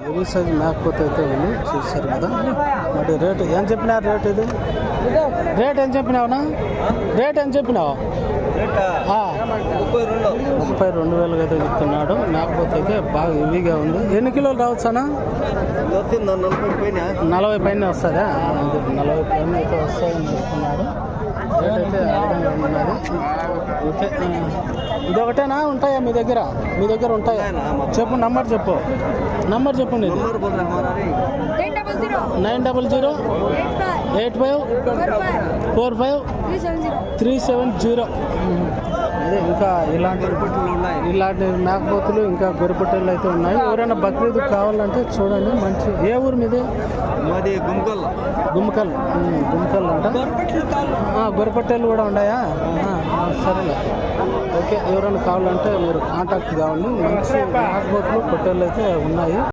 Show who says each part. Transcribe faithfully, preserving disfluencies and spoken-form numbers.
Speaker 1: Heavy size మేకపోతే అయితే ఉంది, చూస్తారు కదా. మరి రేటు ఏం చెప్పినారు? రేట్ ఇది రేట్ ఏం చెప్పినావునా? రేట్ ఏం చెప్పినావు? ముప్పై రెండు వేలుగా అయితే చెప్తున్నాడు. మేకపోతే అయితే బాగా హెవీగా ఉంది. ఎన్ని కిలోలు రావచ్చానా? నలభై పైన వస్తుందా? నలభై పైన అయితే వస్తాయని చెప్తున్నాడు. రేట్ అయితే అర్థంగా ఉన్నది. ఓకే, ఇదొకటేనా ఉంటాయా మీ దగ్గర? మీ దగ్గర ఉంటాయా? చెప్పు, నంబర్ చెప్పు, నంబర్ చెప్పండి. Nine double zero eight five four five three seven zero. అదే ఇంకా ఇలాంటి ఇలాంటి మేకపోతులు ఇంకా గొర్రెపట్టెలు అయితే ఉన్నాయి. ఎవరైనా బక్రీద్ కావాలంటే చూడండి. మంచి ఏ ఊరు మీది?
Speaker 2: మాది గుమ్మకల్.
Speaker 1: గుమ్మకల్ గుమ్మకల్ అంట. గొర్రెపట్టెలు కూడా ఉన్నాయా? సరేలే, ఓకే. ఎవరైనా కావాలంటే మీరు కాంటాక్ట్ కావండి. మంచి మేకపోతులు పొట్టేళ్ళు అయితే ఉన్నాయి.